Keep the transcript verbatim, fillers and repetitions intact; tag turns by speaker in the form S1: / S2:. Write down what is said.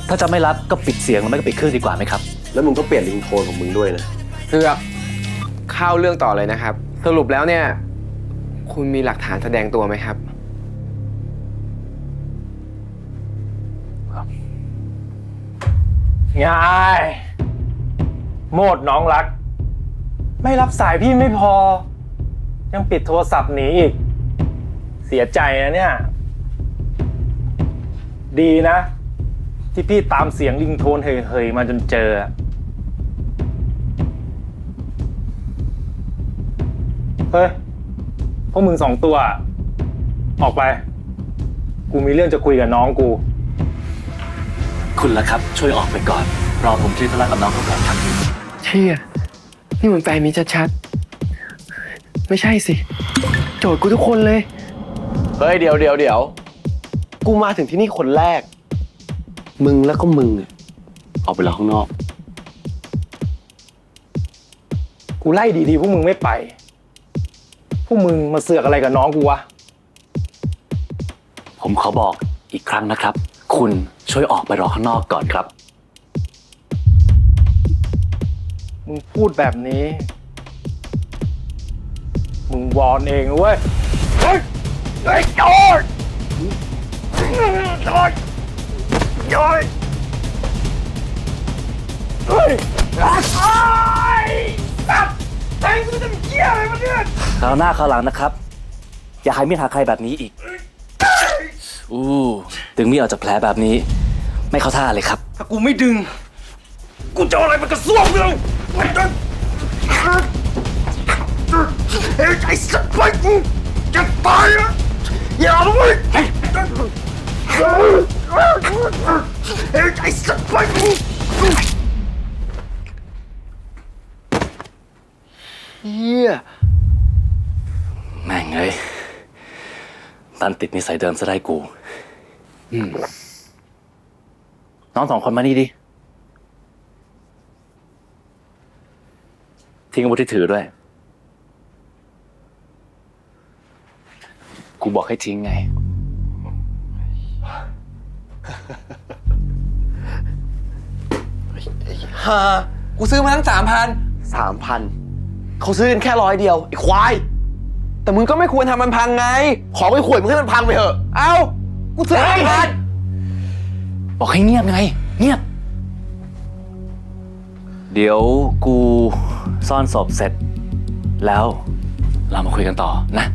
S1: ถ้าจะไม่รับก็ปิดเสียงแล้วไม่ก็ปิดเครื่องดีกว่าไหมครับ
S2: แล้วมึงก็เปลี่ยนริงโทนของมึงด้วยนะ
S3: เลือกเข้าเรื่องต่อเลยนะครับ สรุปแล้วเนี่ยคุณมีหลักฐานแสดงตัวไหมครับ
S4: ง่ายโมดน้องรักไม่รับสายพี่ไม่พอยังปิดโทรศัพท์หนีอีกเสียใจนะเนี่ยดีนะที่พี่ตามเสียงริงโทนเฮยๆมาจนเจอเฮ้ยพวกมึงสองตัวออกไปกูมีเรื่องจะคุยกับน้องกู
S1: คุณล่ะครับช่วยออกไปก่อนรอผมที่ธุระกับน้องเขาก่อนครับ
S3: เชี่ยนี่เหมือนแฟนมีชัดๆไม่ใช่สิโจทย์กูทุกคนเลย
S2: เฮ้ยเดี๋ยวเดี๋ยวเดี๋ยวกูมาถึงที่นี่คนแรกมึงแล้วก็มึงออกไปรอข้างนอก
S4: กูไล่ดีๆพวกมึงไม่ไปพวกมึงมาเสือกอะไรกับน้องกูวะ
S1: ผมขอบอกอีกครั้งนะครับคุณช่วยออกไปรอข้างนอกก่อนครับ
S4: มึงพูดแบบนี้มึงวอนเองเว้ยเฮ้ยไอ้จอดจอดจอดเฮ้ยไอ้สัตว์แทงกูจะเกี้ยอะไรมาเนี่ย
S1: คราวหน้าคราวหลังนะครับอย่าให้มีดหาใครแบบนี้อีกอู้ดึงมีดออกจากแผลแบบนี้ไม่เข้าท่าเลยครับ
S4: ถ้ากูไม่ดึงกูจะอะไรมันกระซวกเลยไม่ดึงไอ้สัตว์ไปกูจะตายอ่ะอย่าเลยไอ้สัตว์ไปกู
S2: เฮีย
S1: แม่งเอ้ยตันติดนิสัยเดิมซะได้กูน้องสองคนมานี่ดิทิ้งอาวุธที่ถือด้วยกูบอกให้ทิ้งไง
S2: ฮากูซื้อมาตั้งสามพันสามพันเขาซื้อกันแค่ร้อยเดียวไอ้ควายแต่มึงก็ไม่ควรทำมันพังไงของไอ้ขวดมึงให้มันพังไปเถอะเอ้ากูซื้อห้าพัน
S1: บอกให้เงียบไงเงียบเดี๋ยวกูซ่อนศพเสร็จแล้วเรามาคุยกันต่อนะ